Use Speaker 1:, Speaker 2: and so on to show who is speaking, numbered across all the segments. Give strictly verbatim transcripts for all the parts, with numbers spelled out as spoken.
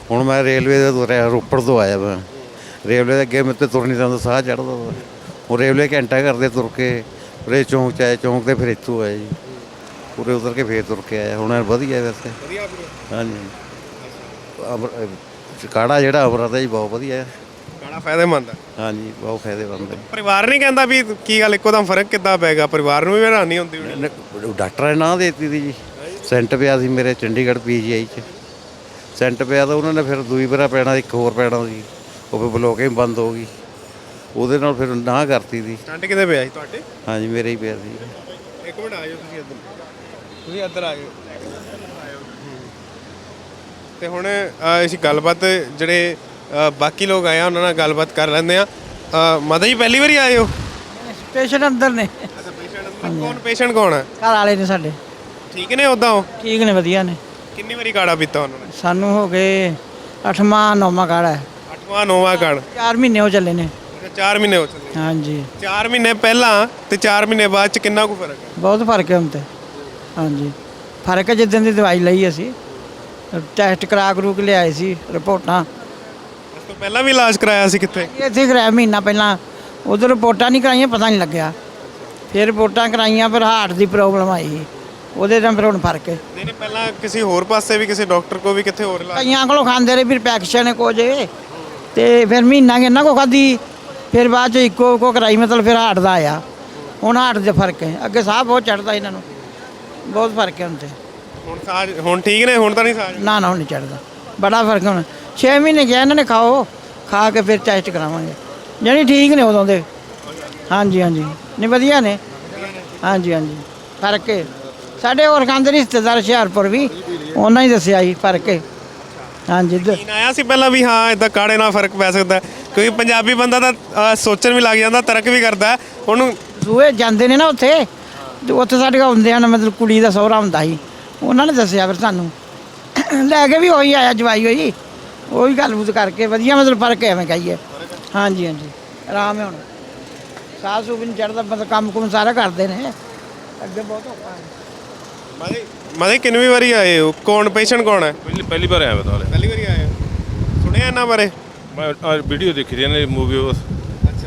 Speaker 1: ਹੁਣ ਮੈਂ ਰੇਲਵੇ ਦੇ ਤੁਰਿਆ, ਰੋਪੜ ਤੋਂ ਆਇਆ ਮੈਂ। ਰੇਲਵੇ ਦੇ ਅੱਗੇ ਮੇਰੇ ਤੋਂ ਤੁਰ ਨਹੀਂ ਜਾਂਦਾ, ਸਾਹ ਚੜ੍ਹਦਾ ਵਾ। ਹੁਣ ਰੇਲਵੇ ਘੰਟਾ ਕਰਦੇ ਤੁਰ ਕੇ ਉਰੇ ਚੌਂਕ 'ਚ ਆਏ, ਚੌਂਕ 'ਤੇ ਫਿਰ ਇੱਥੋਂ ਆਏ ਜੀ। ਉਰੇ ਉਤਰ ਕੇ ਫੇਰ ਤੁਰ ਕੇ ਆਇਆ। ਹੁਣ ਵਧੀਆ ਵੈਸੇ, ਹਾਂਜੀ। ਅਮਰ ਕਾੜਾ ਜਿਹੜਾ ਅਮਰਾ ਦਾ ਜੀ ਬਹੁਤ ਵਧੀਆ,
Speaker 2: ਕਾੜਾ ਫਾਇਦੇਮੰਦ ਹੈ।
Speaker 1: ਹਾਂਜੀ ਬਹੁਤ ਫਾਇਦੇਮੰਦ ਹੈ।
Speaker 2: ਪਰਿਵਾਰ ਨਹੀਂ ਕਹਿੰਦਾ ਵੀ ਕੀ ਗੱਲ ਇੱਕੋ ਦਮ ਫਰਕ ਕਿੱਦਾਂ ਪੈ ਗਿਆ? ਪਰਿਵਾਰ ਨੂੰ ਵੀ ਹੈਰਾਨੀ ਹੁੰਦੀ ਹੋਣੀ।
Speaker 1: ਡਾਕਟਰਾਂ ਨੇ ਨਾਂ ਦੇ ਦਿੱਤੀ ਸੀ ਜੀ। ਸੈਂਟ ਪਿਆ ਸੀ ਮੇਰੇ ਚੰਡੀਗੜ੍ਹ ਪੀ ਜੀ ਆਈ 'ਚ। ਸੈਂਟ ਪਿਆ ਤਾਂ ਉਹਨਾਂ ਨੇ ਫਿਰ ਦੂਈ ਵਾਰ ਪੈਣਾ, ਇੱਕ ਹੋਰ ਪੈਣਾ ਸੀ, ਉਹ ਫਿਰ ਬਲੋਕਿੰਗ ਬੰਦ ਹੋ ਗਈ। ਉਹਦੇ ਨਾਲ ਫਿਰ ਨਾ ਕਰਤੀ ਸੀ।
Speaker 2: ਸਟੰਟ ਕਿਤੇ ਪਿਆ ਸੀ ਤੁਹਾਡੇ? ਹਾਂਜੀ
Speaker 1: ਮੇਰੇ ਹੀ ਪਿਆ ਸੀ।
Speaker 2: ਇੱਕ ਮਿੰਟ ਆਇਓ ਤੁਸੀਂ ਇੱਧਰ, ਤੁਸੀਂ ਇੱਧਰ ਆਇਓ। ਤੇ ਹੁਣ ਅਸੀਂ ਗੱਲਬਾਤ ਜਿਹੜੇ ਬਾਕੀ ਲੋਕ ਆਏ ਆ ਉਹਨਾਂ ਨਾਲ ਗੱਲਬਾਤ ਕਰ ਲੈਂਦੇ ਆ। ਮਾਤਾ ਜੀ ਪਹਿਲੀ ਵਾਰੀ ਆਏ ਹੋ?
Speaker 3: ਪੇਸ਼ੈਂਟ ਅੰਦਰ ਨੇ।
Speaker 2: ਅੱਛਾ, ਪੇਸ਼ੈਂਟ ਅੰਦਰ। ਕੌਣ ਪੇਸ਼ੈਂਟ ਕੌਣ ਹੈ?
Speaker 3: ਘਰ ਵਾਲੇ ਨੇ ਸਾਡੇ।
Speaker 2: ਠੀਕ ਨੇ ਉੱਦਾਂ? ਉਹ
Speaker 3: ਠੀਕ ਨੇ, ਵਧੀਆ ਨੇ।
Speaker 2: ਕਿੰਨੀ ਵਾਰੀ ਕਾੜਾ ਪੀਤਾ ਉਹਨਾਂ ਨੇ?
Speaker 3: ਸਾਨੂੰ ਹੋ ਗਏ ਅੱਠਵਾਂ ਨੌਵਾਂ ਕਾੜਾ ਹੈ।
Speaker 2: ਅੱਠਵਾਂ ਨੌਵਾਂ ਕਾੜਾ?
Speaker 3: ਚਾਰ ਮਹੀਨੇ ਹੋ ਚੱਲੇ ਨੇ।
Speaker 2: ਅੱਛਾ, ਚਾਰ ਮਹੀਨੇ ਹੋ ਚੱਲੇ।
Speaker 3: ਹਾਂਜੀ।
Speaker 2: ਚਾਰ ਮਹੀਨੇ ਪਹਿਲਾਂ ਤੇ ਚਾਰ ਮਹੀਨੇ ਬਾਅਦ ਚ ਕਿੰਨਾ ਕੁ ਫਰਕ ਹੈ?
Speaker 3: ਬਹੁਤ ਫਰਕ ਹੈ ਹੁਣ ਤੇ। ਹਾਂਜੀ ਫਰਕ ਹੈ। ਜਿੱਦਣ ਦੀ ਦਵਾਈ ਲਈ ਅਸੀਂ ਟੈਸਟ ਕਰਾ ਕਰੂ ਕੇ ਲਿਆਏ ਸੀ ਰਿਪੋਰਟਾਂ।
Speaker 2: ਉਸ ਤੋਂ ਪਹਿਲਾਂ ਵੀ ਇਲਾਜ ਕਰਾਇਆ ਸੀ ਕਿੱਥੇ?
Speaker 3: ਇੱਥੇ ਕਰਾਇਆ ਮਹੀਨਾ ਪਹਿਲਾਂ। ਉਧਰ ਰਿਪੋਰਟਾਂ ਨਹੀਂ ਕਰਾਈਆਂ, ਪਤਾ ਨਹੀਂ ਲੱਗਿਆ। ਫਿਰ ਰਿਪੋਰਟਾਂ ਕਰਾਈਆਂ, ਫਿਰ ਹਾਰਟ ਦੀ ਪ੍ਰੋਬਲਮ ਆਈ, ਉਹਦੇ ਨਾਲ ਫਿਰ ਹੁਣ ਫਰਕ ਹੈ।
Speaker 2: ਨਹੀਂ ਨਹੀਂ, ਪਹਿਲਾਂ ਕਿਸੇ ਹੋਰ ਪਾਸੇ ਵੀ, ਕਿਸੇ ਡਾਕਟਰ ਕੋ ਵੀ, ਕਿੱਥੇ ਹੋਰ ਇਲਾਜ?
Speaker 3: ਕਈਆਂ ਕੋਲੋਂ ਖਾਂਦੇ ਰਹੇ, ਫਿਰ ਪੈਕਸ਼ਨ ਕੋ ਜੇ ਤੇ ਫਿਰ ਮਹੀਨਾ ਇਹਨਾਂ ਕੋ ਖਾਧੀ, ਫਿਰ ਬਾਅਦ ਚ ਇੱਕੋ ਕੋ ਕਰਾਈ, ਮਤਲਬ ਫਿਰ ਹਾਰਟ ਦਾ ਆਇਆ। ਹੁਣ ਹਾਰਟ ਦਾ ਫਰਕ ਹੈ। ਅੱਗੇ ਸਾਹ ਬਹੁਤ ਚੜ੍ਹਦਾ ਇਹਨਾਂ ਨੂੰ, ਬਹੁਤ ਫਰਕ ਹੈ ਹੁਣ ਤੇ।
Speaker 2: ਹੁਣ ਸਾਹ ਹੁਣ ਠੀਕ ਨੇ? ਹੁਣ ਤਾਂ ਨਹੀਂ ਸਾਹ?
Speaker 3: ਨਾ ਨਾ ਹੁਣ ਨਹੀਂ ਚੜ੍ਹਦਾ, ਬੜਾ ਫਰਕ ਹੁਣ। ਛੇ ਮਹੀਨੇ ਕਿਹਾ ਇਹਨਾਂ ਨੇ ਖਾਓ, ਖਾ ਕੇ ਫਿਰ ਟੈਸਟ ਕਰਾਵਾਂਗੇ। ਜਾਣੀ ਠੀਕ ਨੇ ਉਦੋਂ ਦੇ। ਹਾਂਜੀ ਹਾਂਜੀ ਨਹੀਂ ਵਧੀਆ ਨੇ। ਹਾਂਜੀ ਹਾਂਜੀ ਫਰਕ ਹੈ। ਸਾਡੇ ਹੋਰ ਖਾਂਦੇ ਰਿਸ਼ਤੇਦਾਰ ਹੁਸ਼ਿਆਰਪੁਰ ਵੀ, ਉਹਨਾਂ ਹੀ ਦੱਸਿਆ ਜੀ ਫਰਕ ਹੈ। ਹਾਂਜੀ
Speaker 2: ਯਕੀਨ ਆਇਆ ਸੀ ਪਹਿਲਾਂ ਵੀ ਹਾਂ ਇਦਾਂ ਕਾੜੇ ਨਾਲ ਫਰਕ ਪੈ ਸਕਦਾ? ਕਿਉਂਕਿ ਪੰਜਾਬੀ ਬੰਦਾ ਤਾਂ ਸੋਚਣ ਵੀ ਲੱਗ ਜਾਂਦਾ, ਤਰਕ ਵੀ ਕਰਦਾ ਉਹਨੂੰ।
Speaker 3: ਸੂਏ ਜਾਂਦੇ ਨੇ ਨਾ ਉੱਥੇ, ਤੇ ਉੱਥੇ ਸਾਡੇ ਕੋਲ ਹੁੰਦੇ ਹਨ, ਮਤਲਬ ਕੁੜੀ ਦਾ ਸਹੁਰਾ ਹੁੰਦਾ ਸੀ, ਉਹਨਾਂ ਨੇ ਦੱਸਿਆ ਫਿਰ ਸਾਨੂੰ। ਲੈ ਕੇ ਵੀ ਉਹੀ ਆਇਆ, ਜਵਾਈ ਹੋਈ, ਉਹੀ ਗੱਲਬਾਤ ਕਰਕੇ ਵਧੀਆ, ਮਤਲਬ ਫਰਕ ਹੈ ਐਵੇਂ ਕਹੀਏ। ਹਾਂਜੀ ਹਾਂਜੀ ਆਰਾਮ ਹੈ ਹੁਣ। ਸਾਹ ਸੂਹ ਵੀ ਨਹੀਂ ਚੜ੍ਹਦਾ, ਮਤਲਬ ਕੰਮ ਕੁਮ ਸਾਰਾ ਕਰਦੇ ਨੇ। ਅੱਗੇ ਬਹੁਤ ਔਖਾ ਹੈ।
Speaker 2: ਮਾਦੇ ਮਾਦੇ ਕਿੰਨੀ ਵਾਰੀ ਆਏ ਹੋ? ਕੌਣ ਪੇਸ਼ੈਂਟ ਕੌਣ ਹੈ?
Speaker 4: ਪਹਿਲੀ ਪਹਿਲੀ ਵਾਰ ਆਇਆ ਬਤਾ
Speaker 2: ਪਹਿਲੀ ਵਾਰੀ ਆਏ ਹੋ? ਸੁਣਿਆ ਇਹਨਾਂ ਬਾਰੇ?
Speaker 4: ਮੈਂ ਵੀਡੀਓ ਦੇਖੀ ਦੀ ਨੇ, ਮੂਵੀ।
Speaker 2: ਅੱਛਾ।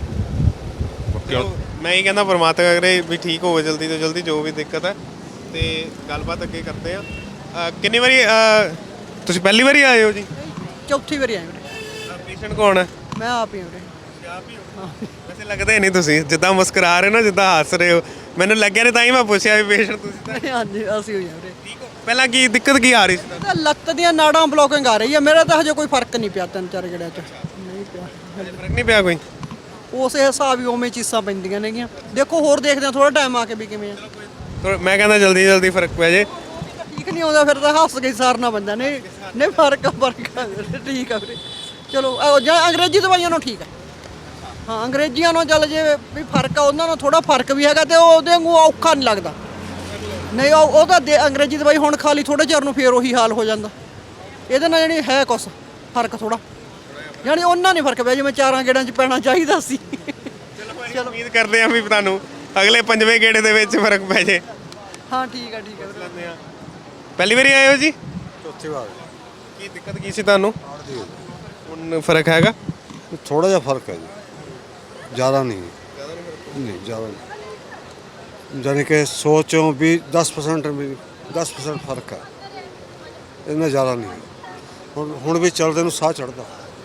Speaker 2: ਮੈਂ ਇਹ ਕਹਿੰਦਾ ਪਰਮਾਤਮਾ ਕਰੇ ਵੀ ਠੀਕ ਹੋਵੇ ਜਲਦੀ ਤੋਂ ਜਲਦੀ, ਜੋ ਵੀ ਦਿੱਕਤ ਹੈ। ਤੇ ਗੱਲਬਾਤ ਅੱਗੇ ਕਰਦੇ ਆ। ਕਿੰਨੀ ਵਾਰੀ ਤੁਸੀਂ ਪਹਿਲੀ ਵਾਰੀ ਆਏ ਹੋ ਜੀ?
Speaker 5: ਚੌਥੀ ਵਾਰੀ ਆਏ ਵੀਰੇ।
Speaker 2: ਪੇਸ਼ੈਂਟ ਕੌਣ ਹੈ?
Speaker 5: ਮੈਂ ਆਪ ਹੀ ਵੀਰੇ।
Speaker 2: ਆਪ ਹੀ ਹੋ? ਵੈਸੇ ਲੱਗਦੇ ਨਹੀਂ ਤੁਸੀਂ, ਜਿੱਦਾਂ ਮੁਸਕਰਾ ਰਹੇ ਹੋ ਨਾ, ਜਿੱਦਾਂ ਹੱਸ ਰਹੇ ਹੋ, ਮੈਨੂੰ ਲੱਗਿਆ ਨਹੀਂ, ਤਾਂ ਹੀ ਮੈਂ ਪੁੱਛਿਆ ਵੀ ਪੇਸ਼ੈਂਟ ਤੁਸੀਂ ਤਾਂ।
Speaker 5: ਹਾਂਜੀ ਅਸੀਂ ਹੋਈ ਵੀਰੇ।
Speaker 2: ਠੀਕ ਹੋ? ਪਹਿਲਾਂ ਕੀ ਦਿੱਕਤ ਕੀ ਆ ਰਹੀ ਸੀ?
Speaker 5: ਤਾਂ ਲੱਤ ਦੀਆਂ ਨਾੜਾਂ ਬਲੋਕਿੰਗ ਆ ਰਹੀ ਹੈ। ਮੇਰਾ ਤਾਂ ਹਜੇ ਕੋਈ ਫਰਕ ਨਹੀਂ ਪਿਆ, ਤਿੰਨ ਚਾਰ ਗੇੜਿਆਂ 'ਚ ਨਹੀਂ ਪਿਆ।
Speaker 2: ਫਰਕ ਨਹੀਂ ਪਿਆ ਕੋਈ?
Speaker 5: ਉਸੇ ਹਿਸਾਬ ਹੀ ਉਵੇਂ ਚੀਜ਼ਾਂ ਪੈਂਦੀਆਂ ਨੇਗੀਆਂ। ਦੇਖੋ ਹੋਰ ਦੇਖਦੇ ਆ ਥੋੜਾ ਟਾਈਮ ਆ ਕੇ ਵੀ ਕਿਵੇਂ ਆ।
Speaker 2: ਥੋੜ੍ਹਾ- ਮੈਂ ਕਹਿੰਦਾ ਜਲਦੀ ਜਲਦੀ ਫਰਕ ਪੈ ਜੇ।
Speaker 5: ਠੀਕ ਨਹੀਂ ਆਉਂਦਾ ਫਿਰ ਤਾਂ ਹੱਸ ਕੇ ਸਾਰਨਾ ਪੈਂਦਾ। ਨਹੀਂ ਨਹੀਂ ਫਰਕ ਆ, ਫਰਕ ਆ ਵੀਰੇ, ਠੀਕ ਆ ਵੀਰੇ। ਚਲੋ ਅਹ ਜਾਂ ਅੰਗਰੇਜ਼ੀ ਦਵਾਈਆਂ ਨਾਲੋਂ ਠੀਕ ਆ। ਹਾਂ ਅੰਗਰੇਜ਼ੀਆਂ ਨਾਲ ਚੱਲ ਜੇ ਵੀ ਫਰਕ ਆ, ਉਹਨਾਂ ਨਾਲ ਥੋੜਾ ਫਰਕ ਵੀ ਹੈਗਾ, ਤੇ ਉਹਦੇ ਵਾਂਗੂ ਔਖਾ ਨਹੀਂ ਲੱਗਦਾ। ਨਹੀਂ ਉਹ ਉਹ ਤਾਂ ਦੇ- ਅੰਗਰੇਜ਼ੀ ਦਵਾਈ ਹੁਣ ਖਾ ਲਈ, ਥੋੜੇ ਚਿਰ ਨੂੰ ਫੇਰ ਉਹੀ ਹਾਲ ਹੋ ਜਾਂਦਾ। ਇਹਦੇ ਨਾਲ ਜਾਣੀ ਹੈ ਕੁਛ ਫਰਕ ਥੋੜਾ, ਜਾਣੀ ਉਹਨਾਂ ਨਹੀਂ ਫਰਕ ਪਿਆ ਜਿਵੇਂ ਚਾਰਾਂ ਗੇੜਾਂ 'ਚ ਪੈਣਾ ਚਾਹੀਦਾ ਸੀ।
Speaker 2: ਚਲੋ ਉਮੀਦ ਕਰਦੇ ਹਾਂ ਵੀ ਤੁਹਾਨੂੰ ਅਗਲੇ ਪੰਜਵੇਂ ਗੇੜੇ ਦੇ ਵਿੱਚ ਫਰਕ ਪੈ ਜੇ।
Speaker 5: ਹਾਂ ਠੀਕ ਆ ਠੀਕ ਆ ਵੀਰੇ।
Speaker 2: ਪਹਿਲੀ ਵਾਰੀ ਆਏ ਹੋ ਜੀ?
Speaker 6: ਚੌਥੀ ਵਾਰ।
Speaker 2: ਕੀ ਦਿੱਕਤ ਕੀ ਸੀ ਤੁਹਾਨੂੰ? ਹੁਣ ਫਰਕ ਹੈਗਾ?
Speaker 6: ਥੋੜਾ ਜਿਹਾ ਫਰਕ ਹੈ ਜੀ, ਜ਼ਿਆਦਾ ਨਹੀਂ। ਨਹੀਂ ਜ਼ਿਆਦਾ ਨਹੀਂ, ਜਾਨੀ ਕਿ ਸੌ ਚੋਂ ਵੀ ਦਸ ਪਰਸੈਂਟ ਵੀ ਦਸ ਪਰਸੈਂਟ ਫਰਕ ਹੈ, ਇੰਨਾ ਜ਼ਿਆਦਾ ਨਹੀਂ। ਹੁਣ ਹੁਣ ਵੀ ਚੱਲਦੇ ਨੂੰ ਸਾਹ ਚੜ੍ਹਦਾ।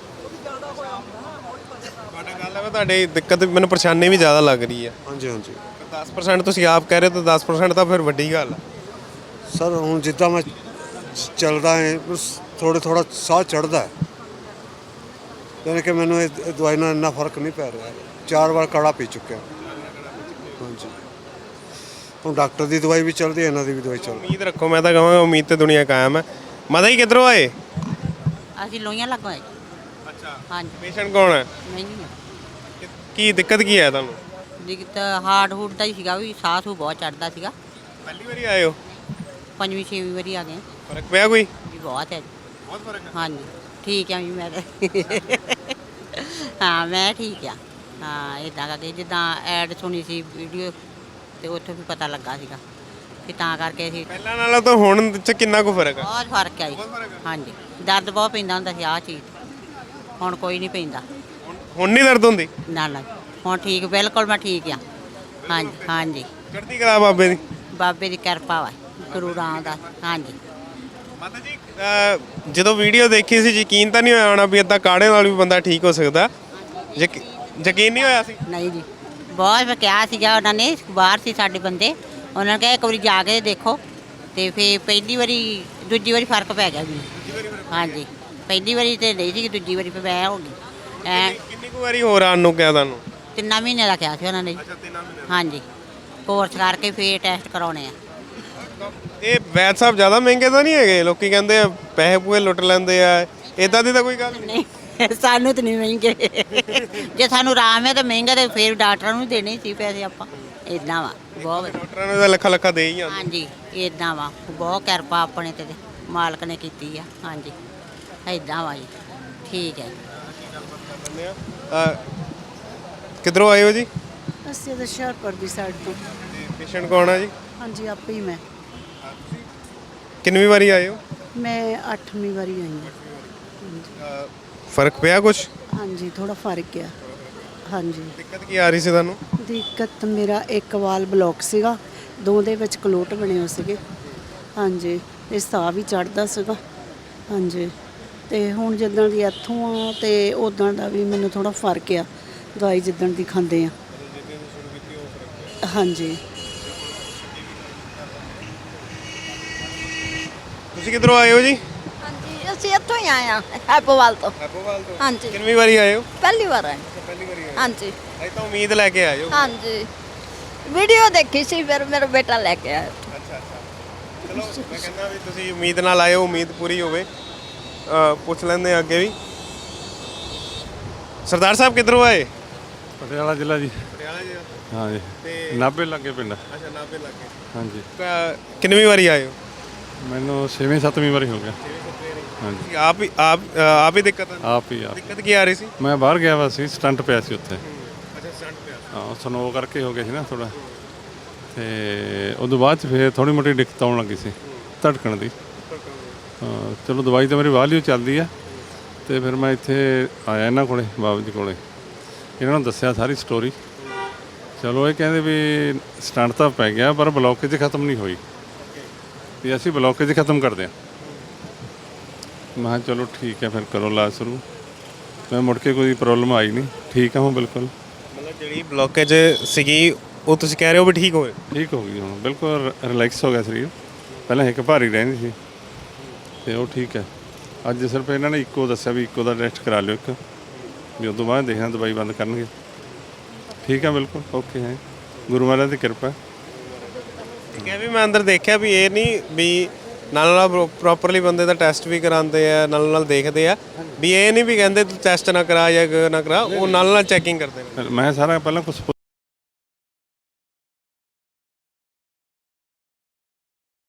Speaker 2: ਤੁਹਾਡਾ ਗੱਲ ਹੈ, ਤੁਹਾਡੀ ਦਿੱਕਤ ਮੈਨੂੰ ਪਰੇਸ਼ਾਨੀ ਵੀ ਜ਼ਿਆਦਾ ਲੱਗ ਰਹੀ ਹੈ।
Speaker 6: ਹਾਂਜੀ ਹਾਂਜੀ
Speaker 2: ਦਸ ਪਰਸੈਂਟ ਤੁਸੀਂ ਆਪ ਕਹਿ ਰਹੇ ਹੋ, ਤਾਂ ਦਸ ਪਰਸੈਂਟ ਤਾਂ ਫਿਰ ਵੱਡੀ ਗੱਲ ਹੈ
Speaker 6: ਸਰ। ਹੁਣ ਜਿੱਦਾਂ ਮੈਂ ਚੱਲਦਾ ਹੈ, ਥੋੜ੍ਹਾ ਥੋੜ੍ਹਾ ਸਾਹ ਚੜ੍ਹਦਾ ਹੈ, ਯਾਨੀ ਕਿ ਮੈਨੂੰ ਇਹ ਦਵਾਈ ਨਾਲ ਇੰਨਾ ਫਰਕ ਨਹੀਂ ਪੈ ਰਿਹਾ। ਚਾਰ ਵਾਰ ਕਾੜਾ ਪੀ ਚੁੱਕਿਆ। ਹਾਂਜੀ ਹੁਣ ਡਾਕਟਰ ਦੀ ਦਵਾਈ ਵੀ ਚੱਲਦੀ ਹੈ, ਇਹਨਾਂ ਦੀ ਵੀ ਦਵਾਈ ਚੱਲਦੀ।
Speaker 2: ਉਮੀਦ ਰੱਖੋ, ਮੈਂ ਤਾਂ ਕਹਾਂਗਾ ਉਮੀਦ ਤੇ ਦੁਨੀਆ ਕਾਇਮ ਹੈ। ਮਾਤਾ ਜੀ ਕਿੱਧਰੋਂ ਆਏ?
Speaker 7: ਅਸੀਂ ਲੋਹੀਆਂ ਲੱਗੋਂ ਆਏ।
Speaker 2: ਅੱਛਾ।
Speaker 7: ਹਾਂਜੀ।
Speaker 2: ਪੇਸ਼ੈਂਟ ਕੌਣ ਹੈ?
Speaker 7: ਨਹੀਂ ਨਹੀਂ
Speaker 2: ਕੀ ਦਿੱਕਤ ਕੀ ਹੈ ਤੁਹਾਨੂੰ?
Speaker 7: ਦਿੱਕਤ ਹਾਰਟ ਹੂਟ ਦਾ ਹੀ ਸੀਗਾ, ਵੀ ਸਾਹ ਸੂ ਬਹੁਤ ਚੜਦਾ ਸੀਗਾ।
Speaker 2: ਪਹਿਲੀ ਵਾਰੀ ਆਏ ਹੋ?
Speaker 7: ਪੰਜਵੀਂ ਛੇਵੀਂ ਵਾਰੀ ਆ ਗਏ।
Speaker 2: ਫਰਕ ਪਿਆ ਕੋਈ?
Speaker 7: ਵੀ ਬਹੁਤ ਹੈ ਜੀ।
Speaker 2: ਬਹੁਤ ਫਰਕ ਹੈ।
Speaker 7: ਹਾਂਜੀ ਠੀਕ ਆ ਜੀ ਮੈਂ ਤਾਂ। ਹਾਂ ਮੈਂ ਠੀਕ ਆ। ਹਾਂ ਇੱਦਾਂ ਕਰਕੇ ਜਿੱਦਾਂ ਐਡ ਸੁਣੀ ਸੀ ਵੀਡੀਓ, ਤੇ ਉੱਥੋਂ ਵੀ ਪਤਾ ਲੱਗਾ ਸੀਗਾ, ਤੇ ਤਾਂ ਕਰਕੇ ਅਸੀਂ
Speaker 2: ਪਹਿਲਾਂ ਨਾਲੋਂ ਤਾਂ ਹੁਣ 'ਚ ਕਿੰਨਾ ਕੁ ਫਰਕ ਆ?
Speaker 7: ਬਹੁਤ ਫਰਕ ਹੈ ਜੀ ਹਾਂਜੀ ਦਰਦ ਬਹੁਤ ਪੈਂਦਾ ਹੁੰਦਾ ਸੀ ਆਹ ਚੀਜ਼ ਹੁਣ ਕੋਈ ਨਹੀਂ ਪੈਂਦਾ
Speaker 2: ਹੁਣ ਨਹੀਂ ਦਰਦ ਹੁੰਦੀ?
Speaker 7: ਨਾ ਨਾ ਹੁਣ ਠੀਕ ਬਿਲਕੁਲ ਮੈਂ ਠੀਕ ਆ ਹਾਂਜੀ ਹਾਂਜੀ
Speaker 2: ਚੜ੍ਹਦੀ ਕਲਾ ਬਾਬੇ ਦੀ।
Speaker 7: ਬਾਬੇ ਦੀ ਕਿਰਪਾ ਵਾ ਗੁਰੂ ਰਾਮਦਾਸ ਹਾਂਜੀ
Speaker 2: ਮਾਤਾ ਜੀ ਅਹ, ਜਦੋਂ ਵੀਡੀਓ ਦੇਖੀ ਸੀ ਯਕੀਨ ਤਾਂ ਨਹੀਂ ਹੋਇਆ ਹੋਣਾ ਵੀ ਏਦਾਂ ਕਾੜੇ ਨਾਲ ਵੀ ਬੰਦਾ ਠੀਕ ਹੋ ਸਕਦਾ? ਯਕੀ- ਯਕੀਨ ਨਹੀਂ ਹੋਇਆ ਸੀ?
Speaker 7: ਨਹੀਂ ਜੀ ਬਹੁਤ ਕਿਹਾ ਸੀਗਾ ਉਹਨਾਂ ਨੇ ਬਾਹਰ ਸੀ ਸਾਡੇ ਬੰਦੇ ਉਹਨਾਂ ਨੇ ਕਿਹਾ ਇੱਕ ਵਾਰੀ ਜਾ ਕੇ ਦੇਖੋ ਤੇ ਫਿਰ ਪਹਿਲੀ ਵਾਰੀ ਦੂਜੀ ਵਾਰੀ ਫਰਕ ਪੈ ਗਿਆ ਜੀ ਹਾਂਜੀ ਪਹਿਲੀ ਵਾਰੀ ਤੇ ਨਹੀਂ ਸੀ ਦੂਜੀ ਵਾਰੀ ਫਿਰ ਮੈਂ ਹੋ ਗਈ ਐ
Speaker 2: ਕਿੰਨੀ ਕੁ ਵਾਰੀ ਹੋਰ ਆਉਣ ਨੂੰ ਕਿਹਾ ਤੁਹਾਨੂੰ?
Speaker 7: ਤਿੰਨਾਂ ਮਹੀਨੇ ਦਾ ਕਿਹਾ ਸੀ ਉਹਨਾਂ ਨੇ ਜੀ।
Speaker 2: ਅੱਛਾ ਤਿੰਨਾਂ ਮਹੀਨੇ।
Speaker 7: ਹਾਂਜੀ ਕੋਰਸ ਕਰਕੇ ਫਿਰ ਟੈਸਟ ਕਰਾਉਣੇ ਆ
Speaker 2: ਇਹ ਵੈਦ ਸਾਹਿਬ ਜ਼ਿਆਦਾ ਮਹਿੰਗੇ ਤਾਂ ਨਹੀਂ ਹੈਗੇ? ਲੋਕੀ ਕਹਿੰਦੇ ਆ ਪੈਸੇ ਪੂਏ ਲੁੱਟ ਲੈਂਦੇ ਆ, ਇਦਾਂ ਦੀ ਤਾਂ ਕੋਈ ਗੱਲ ਨਹੀਂ।
Speaker 7: ਨਹੀਂ ਸਾਨੂੰ ਤਾਂ ਨਹੀਂ ਮਹਿੰਗੇ ਜੇ ਸਾਨੂੰ ਆਰਾਮ ਹੈ ਤਾਂ ਮਹਿੰਗਾ ਤੇ ਫਿਰ ਡਾਕਟਰਾਂ ਨੂੰ ਦੇਣੇ ਸੀ ਪੈਸੇ ਆਪਾਂ ਇਦਾਂ ਵਾ ਬਹੁਤ ਵਧੀਆ।
Speaker 2: ਡਾਕਟਰਾਂ ਨੂੰ ਤਾਂ ਲੱਖਾਂ ਲੱਖਾਂ ਦੇ ਹੀ ਜਾਂਦੇ।
Speaker 7: ਹਾਂਜੀ ਇਦਾਂ ਵਾ ਬਹੁਤ ਕਿਰਪਾ ਆਪਣੇ ਤੇ ਮਾਲਕ ਨੇ ਕੀਤੀ ਆ ਹਾਂਜੀ ਇਦਾਂ ਵਾ ਜੀ ਠੀਕ ਹੈ ਜੀ
Speaker 2: ਅਹ, ਕਿੱਧਰੋਂ ਆਏ ਹੋ ਜੀ?
Speaker 8: ਅਸੀਂ ਤਾਂ ਹੁਸ਼ਿਆਰਪੁਰ ਦੀ ਸਾਈਡ ਤੋਂ
Speaker 2: ਪੇਸ਼ੈਂਟ ਕੌਣ ਆ ਜੀ?
Speaker 8: ਹਾਂਜੀ ਆਪੇ ਹੀ ਮੈਂ
Speaker 2: ਕਿੰਨਵੀਂ ਵਾਰੀ ਆਏ ਹੋ?
Speaker 8: ਮੈਂ ਅੱਠਵੀਂ ਵਾਰੀ ਆਈ ਹਾਂ
Speaker 2: ਅਹ, ਫਰਕ ਪਿਆ ਕੁਛ?
Speaker 8: ਹਾਂਜੀ ਥੋੜਾ ਫਰਕ ਆ ਹਾਂਜੀ
Speaker 2: ਦਿੱਕਤ ਕੀ ਆ ਰਹੀ ਸੀ ਤੁਹਾਨੂੰ?
Speaker 8: ਦਿੱਕਤ ਮੇਰਾ ਇੱਕ ਵਾਲ ਬਲੌਕ ਸੀਗਾ ਦੋ ਦੇ ਵਿੱਚ ਕਲੋਟ ਬਣੇ ਹੋਏ ਸੀਗੇ ਹਾਂਜੀ ਇਹ ਸਾਹ ਵੀ ਚੜਦਾ ਸੀਗਾ ਹਾਂਜੀ ਤੇ ਹੁਣ ਜਿੱਦਣ ਦੀ ਇੱਥੋਂ ਆ ਤੇ ਉਦੋਂ ਦਾ ਵੀ ਮੈਨੂੰ ਥੋੜਾ ਫਰਕ ਆ ਦਵਾਈ ਜਿੱਦਣ ਦੀ ਖਾਂਦੇ ਆ ਹਾਂਜੀ
Speaker 2: ਤੁਸੀਂ ਕਿੱਧਰੋਂ ਆਏ ਹੋ ਜੀ?
Speaker 9: ਹਾਂਜੀ ਅਸੀਂ ਇੱਥੋਂ ਹੀ ਆਏ ਆ ਹੈਪੋਵਾਲ ਤੋਂ
Speaker 2: ਹੈਪੋਵਾਲ ਤੋਂ।
Speaker 9: ਹਾਂਜੀ
Speaker 2: ਕਿੰਨਵੀਂ ਵਾਰੀ ਆਏ ਹੋ?
Speaker 9: ਪਹਿਲੀ ਵਾਰ ਆਏ
Speaker 2: ਪਹਿਲੀ ਵਾਰੀ ਆਏ।
Speaker 9: ਹਾਂਜੀ
Speaker 2: ਅਜੇ ਤਾਂ ਉਮੀਦ ਲੈ ਕੇ ਆਏ ਹੋ।
Speaker 9: ਹਾਂਜੀ ਵੀਡੀਓ ਦੇਖੀ ਸੀ ਫਿਰ ਮੇਰਾ ਬੇਟਾ ਲੈ ਕੇ ਆਇਆ
Speaker 2: ਅੱਛਾ ਅੱਛਾ ਚਲੋ ਮੈਂ ਕਹਿੰਦਾ ਵੀ ਤੁਸੀਂ ਉਮੀਦ ਨਾਲ ਆਏ ਹੋ, ਉਮੀਦ ਪੂਰੀ ਹੋਵੇ। ਅਹ, ਪੁੱਛ ਲੈਂਦੇ ਆ ਅੱਗੇ ਵੀ। ਸਰਦਾਰ ਸਾਹਿਬ ਕਿੱਧਰੋਂ ਆਏ?
Speaker 4: ਪਟਿਆਲਾ ਜ਼ਿਲ੍ਹਾ ਜੀ।
Speaker 2: ਪਟਿਆਲਾ ਜੀ।
Speaker 4: ਹਾਂਜੀ
Speaker 2: ਤੇ
Speaker 4: ਨਾਭੇ ਲੱਗੇ ਪਿੰਡ।
Speaker 2: ਅੱਛਾ ਨਾਭੇ ਲੱਗੇ।
Speaker 4: ਹਾਂਜੀ
Speaker 2: ਕਿੰਨਵੀਂ ਵਾਰੀ ਆਏ ਹੋ?
Speaker 4: ਮੈਨੂੰ ਛੇਵੀਂ ਸੱਤਵੀਂ ਵਾਰੀ ਹੋ ਗਿਆ। ਹਾਂਜੀ
Speaker 2: ਤੁਸੀਂ ਆਪ ਹੀ ਆਪ ਅਹ, ਆਪ ਹੀ ਦਿੱਕਤ ਆ?
Speaker 4: ਆਪ ਹੀ ਆਪ
Speaker 2: ਦਿੱਕਤ ਕੀ ਆ ਰਹੀ ਸੀ?
Speaker 4: ਮੈਂ ਬਾਹਰ ਗਿਆ ਵਾ ਸੀ ਸਟੰਟ ਪਿਆ ਸੀ ਉੱਥੇ
Speaker 2: ਅੱਛਾ ਸਟੰਟ ਪਿਆ।
Speaker 4: ਹਾਂ ਸਨੋ ਕਰਕੇ ਹੋ ਗਿਆ ਸੀ ਨਾ ਥੋੜਾ ਤੇ ਉਦੋਂ ਬਾਅਦ ਚ ਫਿਰ ਥੋੜੀ ਮੋਟੀ ਦਿੱਕਤ ਆਉਣ ਲੱਗੀ ਸੀ ਧੜਕਣ ਦੀ ਹਾਂ ਚਲੋ ਦਵਾਈ ਤਾਂ ਮੇਰੀ ਵਾਲੀਓ ਚੱਲਦੀ ਆ ਤੇ ਫਿਰ ਮੈਂ ਇੱਥੇ ਆਇਆ ਇਹਨਾਂ ਕੋਲੇ ਬਾਬਾ ਜੀ ਕੋਲੇ ਇਹਨਾਂ ਨੂੰ ਦੱਸਿਆ ਸਾਰੀ ਸਟੋਰੀ ਚਲੋ ਇਹ ਕਹਿੰਦੇ ਵੀ ਸਟੰਟ ਤਾਂ ਪੈ ਗਿਆ ਪਰ ਬਲੌਕੇਜ ਖਤਮ ਨਹੀਂ ਹੋਈ ਵੀ ਅਸੀਂ ਬਲੌਕੇਜ ਖਤਮ ਕਰਦੇ ਹਾਂ ਮੈਂ ਕਿਹਾ ਚਲੋ ਠੀਕ ਹੈ ਫਿਰ ਕਰੋ ਇਲਾਜ ਸ਼ੁਰੂ ਮੈਂ ਮੁੜ ਕੇ ਕੋਈ ਪ੍ਰੋਬਲਮ ਆਈ ਨਹੀਂ ਠੀਕ ਹਾਂ ਹੁਣ ਬਿਲਕੁਲ
Speaker 2: ਮਤਲਬ ਜਿਹੜੀ ਬਲੌਕੇਜ ਸੀਗੀ ਉਹ ਤੁਸੀਂ ਕਹਿ ਰਹੇ ਹੋ ਵੀ ਠੀਕ ਹੋਏ?
Speaker 4: ਠੀਕ ਹੋ ਗਈ ਹੁਣ ਬਿਲਕੁਲ ਰਿਲੈਕਸ ਹੋ ਗਿਆ ਸਰੀਰ ਪਹਿਲਾਂ ਇੱਕ ਭਾਰੀ ਰਹਿੰਦੀ ਸੀ ਤੇ ਉਹ ਠੀਕ ਹੈ ਅੱਜ ਸਿਰਫ ਇਹਨਾਂ ਨੇ ਇੱਕੋ ਦੱਸਿਆ ਵੀ ਇੱਕੋ ਦਾ ਟੈਸਟ ਕਰਾ ਲਿਓ ਇੱਕ ਵੀ ਉਸ ਤੋਂ ਬਾਅਦ ਦੇਖਣਾ ਦਵਾਈ ਬੰਦ ਕਰਨਗੇ ਠੀਕ ਹੈ ਬਿਲਕੁਲ ਓਕੇ ਹੈ ਗੁਰੂ ਮਹਾਰਾਜ ਦੀ ਕਿਰਪਾ
Speaker 2: ਠੀਕ ਹੈ ਵੀ ਮੈਂ ਅੰਦਰ ਦੇਖਿਆ ਵੀ ਇਹ ਨਹੀਂ ਵੀ ਨਾਲ ਨਾਲ ਪ੍ਰੋਪਰਲੀ ਬੰਦੇ ਦਾ ਟੈਸਟ ਵੀ ਕਰਾਉਂਦੇ ਆ ਨਾਲ ਨਾਲ ਦੇਖਦੇ ਆ ਵੀ ਇਹ ਨਹੀਂ ਵੀ ਕਹਿੰਦੇ ਤੂੰ ਟੈਸਟ ਨਾ ਕਰਾ ਜਾਂ ਨਾ ਕਰਾ ਉਹ ਨਾਲ ਨਾਲ ਚੈਕਿੰਗ ਕਰਦੇ ਨੇ।
Speaker 4: ਮੈਂ ਸਾਰਾ ਪਹਿਲਾਂ ਕੁਛ